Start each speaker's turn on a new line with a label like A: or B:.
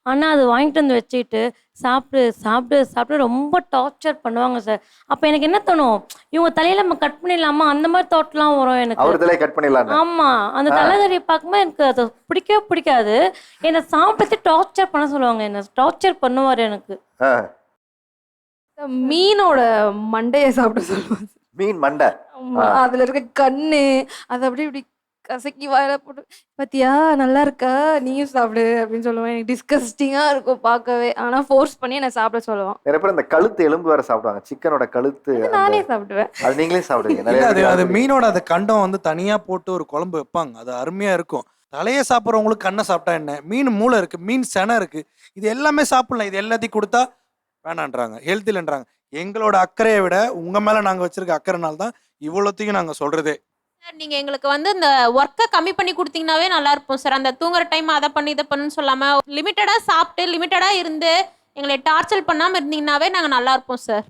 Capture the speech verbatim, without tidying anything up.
A: ஆனா அது வாங்கிட்டு வந்து வச்சுக்கிட்டு, சாப்பிடு, சாப்பிடு, சாப்பிடு ரொம்ப டார்ச்சர் பண்ணுவாங்க சார். அப்ப எனக்கு என்ன தோணும், இவங்க தலையில நம்ம கட் பண்ணிடலாமா? அந்த மாரி தாட்லாம் வரும் எனக்கு.
B: அவர் தலையை கட் பண்ணிடலான்னு.
A: ஆமா. அந்த
B: ஆ.
A: தலைகறிய பார்க்கும்போது எனக்கு அது பிடிக்கவே பிடிக்காது. என்ன சாப்பிட்டு டார்ச்சர் பண்ண சொல்லுவாங்க. என்ன டார்ச்சர் பண்ணுவாரு எனக்கு.
B: ஆ.
C: மீனோட மண்டைய சாப்பிட சொல்லுவாங்க.
B: மீன் மண்டை.
C: ஆமா.
B: ஆ.
C: அதுல இருக்க கண்ணு, அத அப்படியே இப்படி கசக்கி வாயில போட்டு, "பாத்தியா நல்லா இருக்கா? நீயும் சாப்பிடு" அப்படின்னு சொல்லுவேன். எனக்கு டிஸ்கஸ்டிங்கா இருக்கும் பார்க்கவே. ஆனா ஃபோர்ஸ் பண்ணி என்ன சாப்பிட சொல்லுவான்.
B: நிறைய பேர் இந்த கழுத்து எலும்பு வேற சாப்பிடுவாங்க. சிக்கனோட கழுத்து.
C: அது
B: அந்த-
C: நானே சாப்பிடுவேன்.
B: அது நீங்களே சாப்பிடுவீங்க.
D: இல்ல,
B: நிறைய
D: அது
B: பேர்
D: அது
B: அது
D: மீனோட அது கண்டம் வந்து தனியா போட்டு ஒரு குழம்பு வைப்பாங்க. அது அருமையா இருக்கும். தலையை சாப்பிட்றவங்களுக்கு கண்ணை சாப்பிட்டா என்ன? மீன் மூளை இருக்கு, மீன் செனை இருக்கு. இது எல்லாமே சாப்பிடலாம். இது எல்லாத்தையும் கொடுத்தா வேணான்றாங்க, ஹெல்த் இல்லைன்றாங்க. எங்களோட அக்கறையை விட உங்க மேல நாங்க வச்சிருக்க அக்கறைனால தான் இவ்வளோத்தையும் நாங்க சொல்றதே.
E: சார் நீங்க எங்களுக்கு வந்து இந்த ஒர்க்கை கம்மி பண்ணி கொடுத்தீங்கன்னாவே நல்லா இருப்போம் சார். அந்த தூங்குற டைம் அதை பண்ணி இதை பண்ணுன்னு சொல்லாம லிமிட்டடா சாப்பிட்டு லிமிட்டடா இருந்து எங்களை டார்ச்சர் பண்ணாம இருந்தீங்கன்னாவே நாங்க நல்லா இருப்போம் சார்.